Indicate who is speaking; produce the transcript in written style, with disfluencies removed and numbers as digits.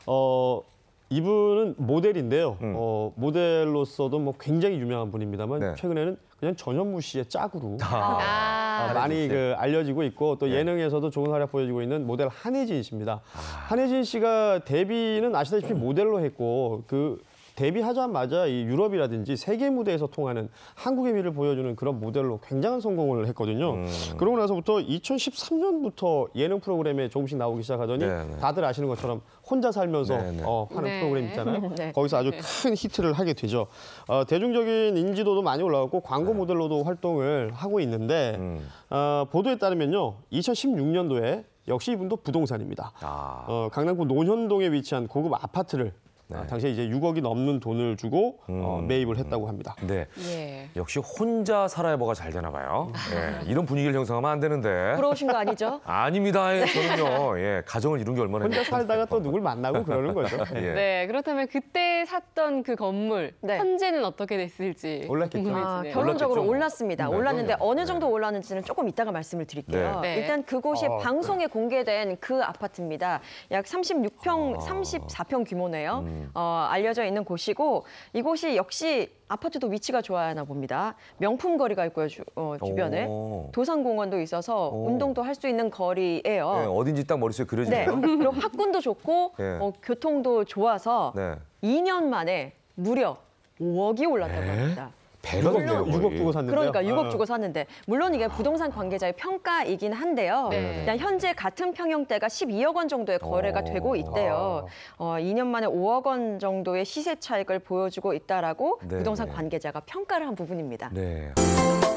Speaker 1: 이분은 모델인데요. 모델로서도 뭐 굉장히 유명한 분입니다만
Speaker 2: 네.
Speaker 1: 최근에는 그냥 전현무 씨의 짝으로 많이
Speaker 2: 한혜진 씨.
Speaker 1: 알려지고 있고 또
Speaker 2: 네.
Speaker 1: 예능에서도 좋은 활약 보여주고 있는 모델 한혜진 씨입니다. 한혜진 씨가 데뷔는 아시다시피 모델로 했고 데뷔하자마자 이 유럽이라든지 세계 무대에서 통하는 한국의 미를 보여주는 그런 모델로 굉장한 성공을 했거든요. 그러고 나서부터 2013년부터 예능 프로그램에 조금씩 나오기 시작하더니
Speaker 2: 네네.
Speaker 1: 다들 아시는 것처럼 혼자 살면서
Speaker 2: 네네.
Speaker 1: 하는
Speaker 3: 네.
Speaker 1: 프로그램 있잖아요.
Speaker 3: 네.
Speaker 1: 거기서 아주 큰 히트를 하게 되죠. 대중적인 인지도도 많이 올라갔고 광고 모델로도 활동을 하고 있는데 보도에 따르면요. 2016년도에 역시 이분도 부동산입니다. 강남구 논현동에 위치한 고급 아파트를 당시에 이제 6억이 넘는 돈을 주고 매입을 했다고 합니다.
Speaker 2: 네.
Speaker 3: 예.
Speaker 2: 역시 혼자 살아야 뭐가 잘 되나 봐요. 예. 이런 분위기를 형성하면 안 되는데.
Speaker 4: 부러우신 거 아니죠?
Speaker 2: 아닙니다. 예, 저는요. 예, 가정을 이룬 게 얼마나
Speaker 1: 혼자 살다가 또 누굴 만나고 그러는 거죠.
Speaker 2: 예.
Speaker 3: 네, 그렇다면 그때 샀던 그 건물
Speaker 4: 네.
Speaker 3: 현재는 어떻게 됐을지
Speaker 1: 올랐겠죠.
Speaker 3: 궁금해지네요.
Speaker 4: 결론적으로
Speaker 2: 올랐겠죠.
Speaker 4: 올랐습니다.
Speaker 2: 네,
Speaker 4: 올랐는데
Speaker 2: 그럼요.
Speaker 4: 어느 정도 올랐는지는 조금 이따가 말씀을 드릴게요.
Speaker 3: 네.
Speaker 4: 일단 그곳이 방송에 공개된 그 아파트입니다. 약 36평, 34평 규모네요. 알려져 있는 곳이고 이곳이 역시 아파트도 위치가 좋아하나 봅니다. 명품 거리가 있고요, 주변에.
Speaker 2: 오.
Speaker 4: 도산공원도 있어서 운동도 할 수 있는 거리예요.
Speaker 2: 예, 어딘지 딱 머릿속에
Speaker 4: 네.
Speaker 2: 그려지네요.
Speaker 4: 그리고 학군도 좋고
Speaker 2: 네.
Speaker 4: 교통도 좋아서
Speaker 2: 네.
Speaker 4: 2년 만에 무려 5억이 올랐다고 합니다.
Speaker 2: 배가 됐네요.
Speaker 1: 6억 주고 샀는데요.
Speaker 4: 그러니까 6억 주고 샀는데 물론 이게 부동산 관계자의 평가이긴 한데요.
Speaker 3: 네.
Speaker 4: 일단 현재 같은 평형대가 12억 원 정도의 거래가 되고 있대요. 2년 만에 5억 원 정도의 시세 차익을 보여주고 있다라고
Speaker 2: 네,
Speaker 4: 부동산
Speaker 2: 네.
Speaker 4: 관계자가 평가를 한 부분입니다.
Speaker 2: 네.